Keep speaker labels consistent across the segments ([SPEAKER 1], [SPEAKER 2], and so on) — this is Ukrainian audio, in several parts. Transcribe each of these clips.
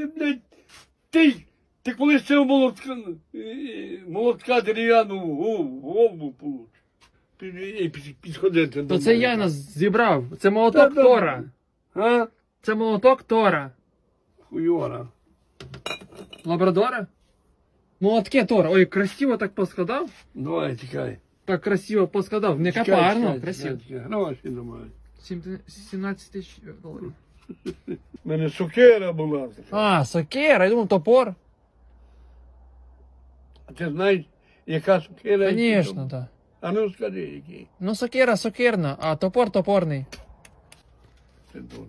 [SPEAKER 1] блядь, ти колись цього молотка дерев'яну в голову получиш. Підходити до
[SPEAKER 2] То це я нас зібрав. Це молоток
[SPEAKER 1] Та,
[SPEAKER 2] Тора.
[SPEAKER 1] А?
[SPEAKER 2] Це молоток Тора.
[SPEAKER 1] Хуйора.
[SPEAKER 2] Лабрадора? Молотки Тора. Ой, красиво так поскладав.
[SPEAKER 1] Давай, тікай.
[SPEAKER 2] Так красиво поскладав. Не
[SPEAKER 1] Тікай,
[SPEAKER 2] капарно,
[SPEAKER 1] тікай,
[SPEAKER 2] красиво.
[SPEAKER 1] тікай. Гроші немає.
[SPEAKER 2] 17 тисяч доларів.
[SPEAKER 1] У мене сокира була.
[SPEAKER 2] А, сокира, я думав топор.
[SPEAKER 1] А ти знаєш, яка сокира?
[SPEAKER 2] Звісно, так.
[SPEAKER 1] А ну скажи, який.
[SPEAKER 2] Ну сокира сокирна, а топор топорний.
[SPEAKER 1] Це дурно.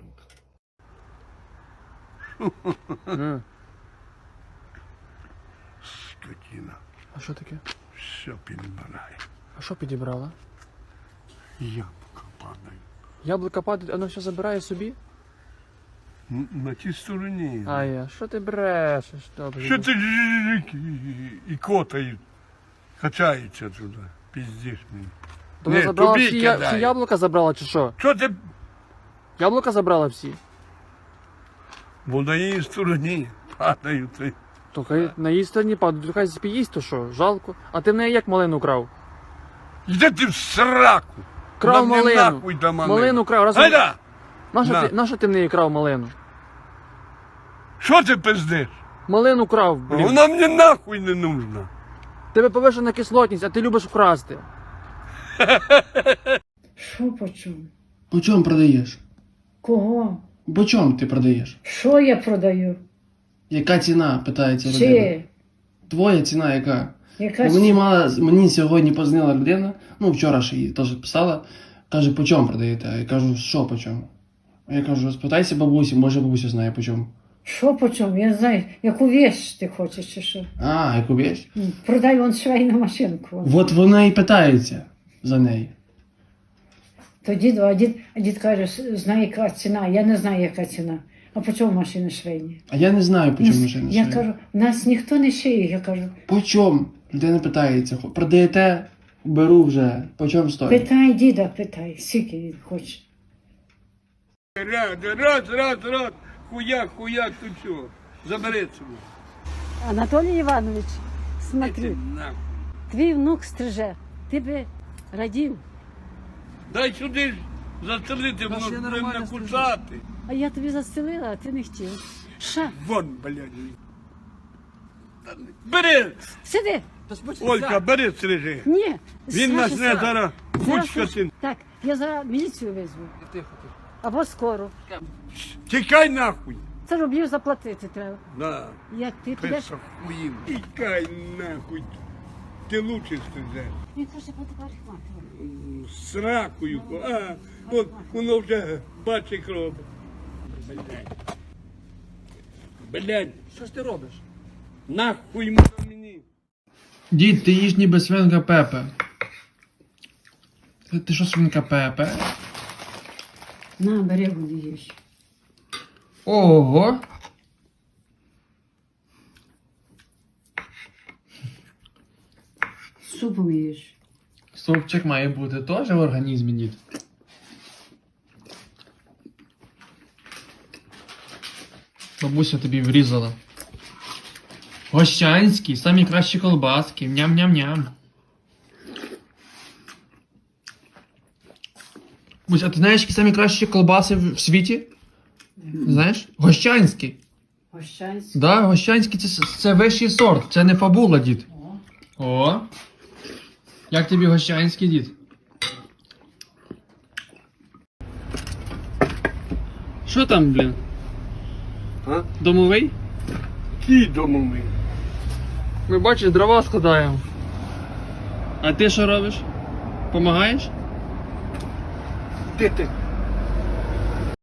[SPEAKER 1] Скотина.
[SPEAKER 2] А що таке?
[SPEAKER 1] Все підбирає.
[SPEAKER 2] А що підібрала?
[SPEAKER 1] Яблука падають.
[SPEAKER 2] Яблука падають, воно все забирає собі?
[SPEAKER 1] На тій стороні.
[SPEAKER 2] А я, що ти брешеш? Добре.
[SPEAKER 1] Що ти і котають, качаються туди, піздиш мені.
[SPEAKER 2] То вона
[SPEAKER 1] Ні,
[SPEAKER 2] забрала
[SPEAKER 1] тобі
[SPEAKER 2] всі,
[SPEAKER 1] кидаю.
[SPEAKER 2] всі яблука забрала чи що?
[SPEAKER 1] Що ти?
[SPEAKER 2] Яблука забрала всі?
[SPEAKER 1] Бо на її стороні падають.
[SPEAKER 2] То хай на її стороні падають, то хай спіїсть, то що, жалко. А ти в неї як малину крав?
[SPEAKER 1] Йди ти в сраку.
[SPEAKER 2] Крав
[SPEAKER 1] Нам не
[SPEAKER 2] малину.
[SPEAKER 1] нахуй та малину.
[SPEAKER 2] Малину крав. Раз...
[SPEAKER 1] Гайда!
[SPEAKER 2] Нащо ти в неї крав малину?
[SPEAKER 1] Що ти пиздиш?
[SPEAKER 2] Малину крав, блін.
[SPEAKER 1] Вона мені нахуй не нужна.
[SPEAKER 2] Тебе повишена кислотність, а ти любиш вкрасти.
[SPEAKER 3] Що по чому?
[SPEAKER 4] По чому продаєш?
[SPEAKER 3] Кого?
[SPEAKER 4] По чому ти продаєш?
[SPEAKER 3] Що я продаю?
[SPEAKER 4] Яка ціна, питається людина.
[SPEAKER 3] Чи?
[SPEAKER 4] Твоя ціна яка?
[SPEAKER 3] Яка
[SPEAKER 4] Бо мені сьогодні позвонила людина, ну вчора ж їй теж писала, каже, по чому продаєте? Я кажу, що по чому? А я кажу, спитайся бабусі, може бабуся знає по чому.
[SPEAKER 3] Що по чому? Я не знаю, яку вещь ти хочеш чи що?
[SPEAKER 4] А, яку вещь?
[SPEAKER 3] Продай вон швейну машинку. Вон.
[SPEAKER 4] От вона і питається за неї.
[SPEAKER 3] То дід каже, знає яка ціна. Я не знаю, яка ціна. А по чому машини швейні?
[SPEAKER 4] А я не знаю, по чому машина.
[SPEAKER 3] Я кажу, нас ніхто не шиє. Я кажу,
[SPEAKER 4] По чому? Людина питається, продаєте? Беру вже. По чому стоїть?
[SPEAKER 3] питай діда, питай, скільки він хоче.
[SPEAKER 1] Раз. Хуяк, тут що? Забери цього.
[SPEAKER 5] Анатолій Іванович,
[SPEAKER 1] Іди
[SPEAKER 5] смотри,
[SPEAKER 1] нахуй.
[SPEAKER 5] твій внук стриже, ти би радів,
[SPEAKER 1] Дай сюди ж застрелити, воно буде накусати.
[SPEAKER 5] а я тобі застелила, а ти не хотів. Ша,
[SPEAKER 1] Вон, блядь. Бери!
[SPEAKER 5] сиди!
[SPEAKER 1] Олька, бери стрижи.
[SPEAKER 5] Ні!
[SPEAKER 1] Він
[SPEAKER 5] Саша,
[SPEAKER 1] нас не зараз кучка син.
[SPEAKER 5] Так, я зараз міліцію визву. Або скоро.
[SPEAKER 1] Тікай нахуй.
[SPEAKER 5] Це рублів заплатити треба.
[SPEAKER 1] Да.
[SPEAKER 5] Як ти підеш?
[SPEAKER 1] Писа хуїн. Тікай нахуй. Ти лучше стрижеш.
[SPEAKER 5] Він каже, буде парикмахер.
[SPEAKER 1] З ракою. А, от воно вже бачить кров. Блядь,
[SPEAKER 2] Що ж ти робиш?
[SPEAKER 1] нахуй воно мені.
[SPEAKER 4] Дід, ти їж ніби свинка Пепе. Ти що свинка Пепе?
[SPEAKER 3] На, бери води їж.
[SPEAKER 4] Ого!
[SPEAKER 3] Супом їж.
[SPEAKER 4] Супчик має бути теж в організмі, дід. Бабуся тобі врізала. Гощанські, самі кращі колбаски. Ням-ням-ням. Бусь, а ти знаєш, які самі кращі колбаси в світі? Знаєш? Гощанські.
[SPEAKER 3] Гощанський.
[SPEAKER 4] Да, гощанські це вищий сорт, це не фабула, дід. О. Як тобі гощанський, дід?
[SPEAKER 2] Що там, блін?
[SPEAKER 1] А?
[SPEAKER 2] Домовий?
[SPEAKER 1] Ті домовий.
[SPEAKER 2] Ми бачиш, дрова складаємо. А ти що робиш? Помагаєш?
[SPEAKER 1] Ти